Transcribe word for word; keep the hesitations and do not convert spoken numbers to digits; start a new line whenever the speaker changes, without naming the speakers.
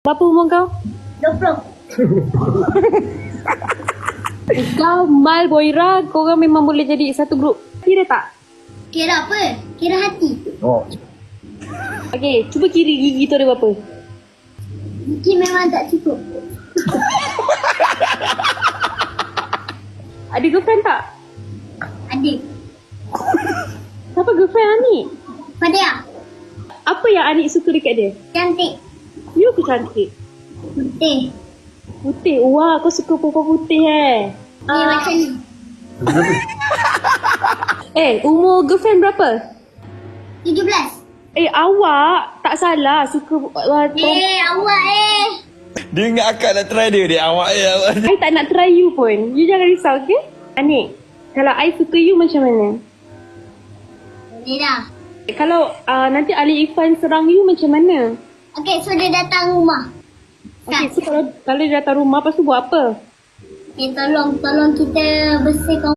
Berapa umur kau?
dua puluh.
Kau, Mal, Boira, korang memang boleh jadi satu grup. Kira tak?
Kira apa? Kira hati.
Oh.
Okey, cuba kira gigi tu ada berapa?
Mungkin memang tak cukup.
Ada girlfriend tak?
Ada.
Siapa girlfriend Anik?
Fadia.
Apa yang Anik suka dekat dia?
Cantik.
You ke cantik?
Putih.
Putih? Wah, kau suka perempuan putih eh?
Dia
Ah.
macam ni.
Eh, umur girlfriend berapa?
tujuh belas.
Eh, awak tak salah suka uh,
Eh, awak eh.
Dia ingat akak nak try dia. Dia awak je. Awak.
I tak nak try you pun. You jangan risau, okay? Anik, kalau I suka you macam mana?
Boleh dah.
Kalau uh, nanti Ali Irfan serang you macam mana?
Okay, so dia datang rumah.
Okay, so kalau, kalau dia datang rumah, lepas tu buat apa?
Okay, tolong, tolong kita bersihkan